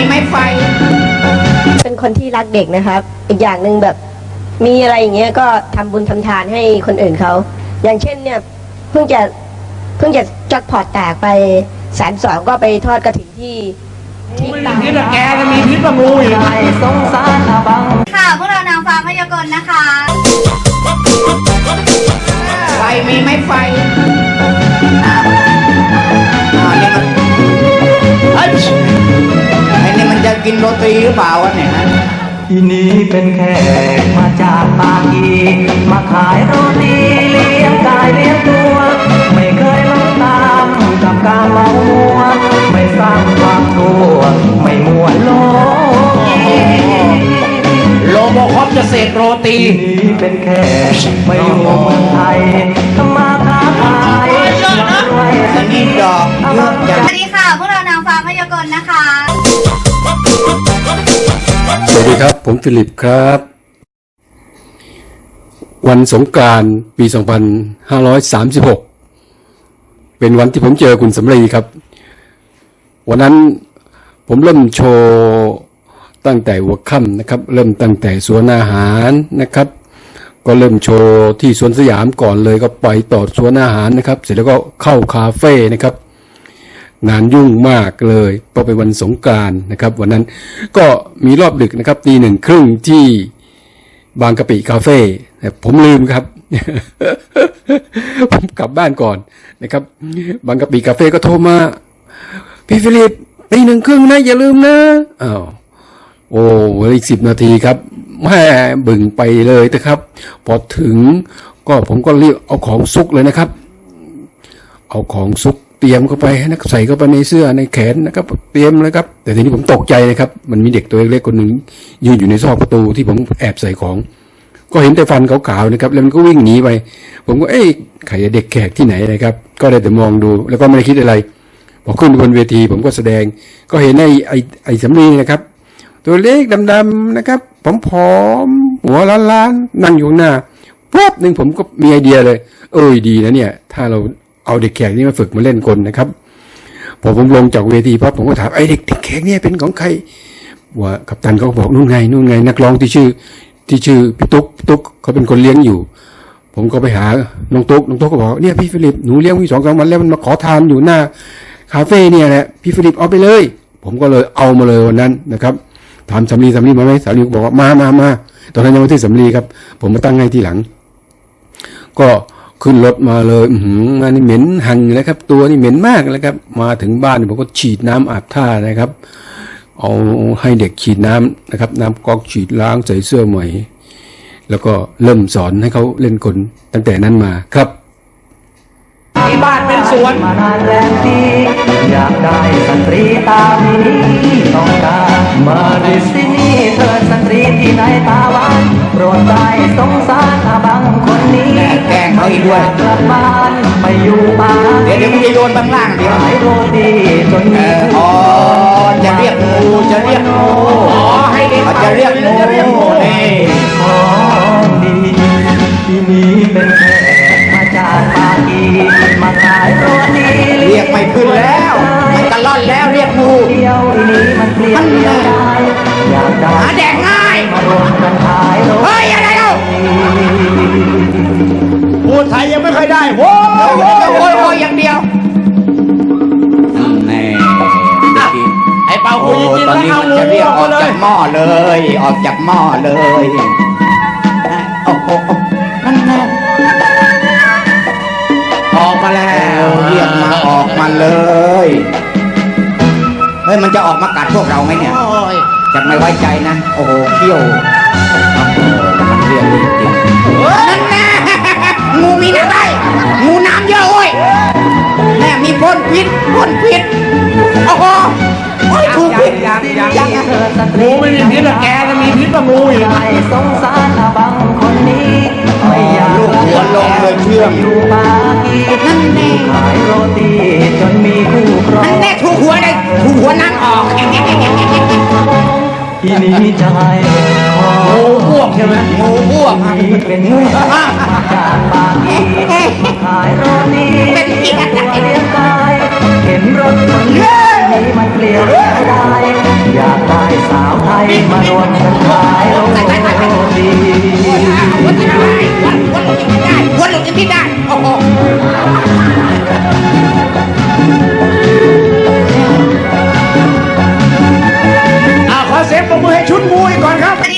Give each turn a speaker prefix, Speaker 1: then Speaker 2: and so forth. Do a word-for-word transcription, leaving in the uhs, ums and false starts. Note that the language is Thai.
Speaker 1: ไม้ไฟ
Speaker 2: เป็นคนที่รักเด็กนะครับอีกอย่างหนึ่งแบบมีอะไรอย่างเงี้ยก็ทำบุญทำทานให้คนอื่นเขาอย่างเช่นเนี่ยเพิ่งจะเพิ่งจะจัดพอร์ตแตกไปแสนสองก็ไปทอดกระถิ่นที่ที่ตา
Speaker 1: พิษแกจะมีพิษกับงูอีกสงสารอาบัง
Speaker 3: ค่ะพวกเรานางฟ้าพยากรณ์นะคะ
Speaker 1: ไฟมีไหมไฟอ่านี่มันไอ้นี่มันจะกินโรตีหรือเปล่าวะเนี่ย
Speaker 4: ทีนี้เป็นแขกมาจากปากีมาขายโรตีเลี้ยงกายเลี้ยงตัวไม่เคยลงตามกับการเมามัวไม่สร้างความกลัวไม่มัวโล
Speaker 1: โลโมคอปจะเสกโรตี
Speaker 4: ทีนี้เป็นแขกไม่อยู่เมืองไทยทำมาค้าขายรวย
Speaker 1: อันนี้ดอกเยอะจัง
Speaker 3: สวัสดีค่ะพวกเรานางฟ้าพยากรณ์นะคะ
Speaker 5: สวัสดีครับผมฟิลิปครับวันสงกรานต์ปี สองพันห้าร้อยสามสิบหก เป็นวันที่ผมเจอคุณสำลีครับวันนั้นผมเริ่มโชว์ตั้งแต่หัวค่ำนะครับเริ่มตั้งแต่สวนอาหารนะครับก็เริ่มโชว์ที่สวนสยามก่อนเลยก็ไปต่อสวนอาหารนะครับเสร็จแล้วก็เข้าคาเฟ่นะครับงานยุ่งมากเลยเพราะเป็นวันสงกรานต์นะครับวันนั้นก็มีรอบดึกนะครับตีหนึ่งครึ่งที่บางกะปิคาเฟ่ผมลืมครับผมกลับบ้านก่อนนะครับบางกะปิคาเฟ่ก็โทรมาพี่ฟิลิปตีหนึ่งครึ่งนะอย่าลืมนะอ้าวโอ้อีกสิบนาทีครับแม่บึ่งไปเลยนะครับพอถึงก็ผมก็รีบเอาของซุกเลยนะครับเอาของซุกเตรียมเข้าไปนะใส่เข้าไปในเสื้อในแขนนะครับเตรียมเลยครับแต่ทีนี้ผมตกใจนะครับมันมีเด็กตัวเล็กๆคนหนึ่งยืนอยู่ในซอกประตูที่ผมแอบใส่ของก็เห็นแต่ฟันขาวๆนะครับแล้วมันก็วิ่งหนีไปผมก็เอ๊ะใครเด็กแขกที่ไหนนะครับก็ได้แต่มองดูแล้วก็ไม่ได้คิดอะไรพอขึ้นบนเวทีผมก็แสดงก็เห็นไอ้ไอ้ไอ้สำลีนะครับตัวเล็กดำๆนะครับผอมๆหัวล้านๆนั่งอยู่ข้างหน้าปุ๊บหนึ่งผมก็มีไอเดียเลยเอ้ยดีนะเนี่ยถ้าเราเอาเด็กแขกนี่มาฝึกมาเล่นกลนะครับพอผมลงจากเวทีปั๊บผมก็ถามไอ้เด็กเด็กแขกเนี่ยเป็นของใครว่ากัปตันเขาบอกนู่นไงนู่นไงนักร้องที่ชื่อที่ชื่อพี่ตุ๊กตุ๊กเขาเป็นคนเลี้ยงอยู่ผมก็ไปหาน้องตุ๊กน้องตุ๊กก็บอกเนี่ยพี่ฟิลิปหนูเลี้ยงพี่สองสามวันแล้วมันมาขอทานอยู่หน้าคาเฟ่เนี่ยแหละพี่ฟิลิปเอาไปเลยผมก็เลยเอามาเลยวันนั้นนะครับถามสำลีสำลีมาไหมสำลีบอกว่ามามามาตอนนั้นยังไม่ใช่สำลีครับผมมาตั้งให้ทีหลังก็ขึ้นรถมาเลยอืมงานนี่เหม็นหันเลยครับตัวนี่เหม็นมากเลยครับมาถึงบ้านผมก็ฉีดน้ำอาบท่านะครับเอาให้เด็กฉีดน้ำนะครับน้ำก๊อกฉีดล้างใส่เสื้อใหม่แล้วก็เริ่มสอนให้เขาเล่นกลตั้งแต่นั้นมาครับ
Speaker 1: ที่บ้านเป็นสวน
Speaker 4: มานานแรมปีอยากได้สตรีตามีต้องการมาดิสนีย์เธอสตรีที่ไหนตาหวานโปรดได้สงสารอาบังคนนี้
Speaker 1: แกล้งเขาอีกด้วย
Speaker 4: กลับบ้านไปอยู่บ้าน
Speaker 1: เดี๋ยวเดี๋ยวมึงจะโยนบางล่างเดี๋ยว
Speaker 4: ขายโรตีจนมี
Speaker 1: อ๋อจะเรียกงูจะเรียกงูอ๋อให้เด็กจะเรียกงูนี่
Speaker 4: ของดีที่นี้เป็นแขกมาจากปากีมาขายโรตี
Speaker 1: เรียกไม่ขึ้นแล้วมันตะล่อนแล้วเรียกงู
Speaker 4: เดียวนี้มันเปลี่ยนได้อยากได้
Speaker 1: หาแดกง่าย
Speaker 4: มารวมกันขายโรตี
Speaker 1: เฮ้ยอะไรเล่าพูดไทยยังไม่เคยได้โว้ยโว้ยโว้ยโว้ยอย่างเดียวแน่ไอ้เป่าหูตอนนี้มันจะเรียกออกจากหม้อเลยออกจากหม้อเลยโอ้โหนั่นแน่ออกมาแล้วเรียกมาออกมาเลยเฮ้ยมันจะออกมากัดพวกเราไหมเนี่ยจะไม่ไว้ใจนะโอ้โหเขี้ยวมันเรียกจริงๆนั่นแน่งูมีน้ำได้งูน้ำเยอะโอ้ยแม่มีพ่นพิษพ่นพิษโอ้โหโอ้ยถูกพิษยังยังงูไม่มีพิษแต่แกจะมีพิษกับงูอีก
Speaker 4: สงสารอาบังคนนี้ไม่อยาก
Speaker 1: ลูกหัวลงเลยเชื่อม
Speaker 4: อยู่ปากีนั่นแน่ขายโรตีจนมีคู่ครอง
Speaker 1: นั่นแน่ถูกหัวเลยถูกหัวนั่งออก
Speaker 4: ที่นี้จะให้
Speaker 1: งูอ้วกใช่ไหมงูอ้วก
Speaker 4: เป็นงูมาจากปากีมาขายโรตี
Speaker 1: เป็นกี่กระต่าย
Speaker 4: เลี้ยงกายเห็นรถคนนี้มันเปลี่ยวได้อยากสาวไทยมารวมกันขายโรง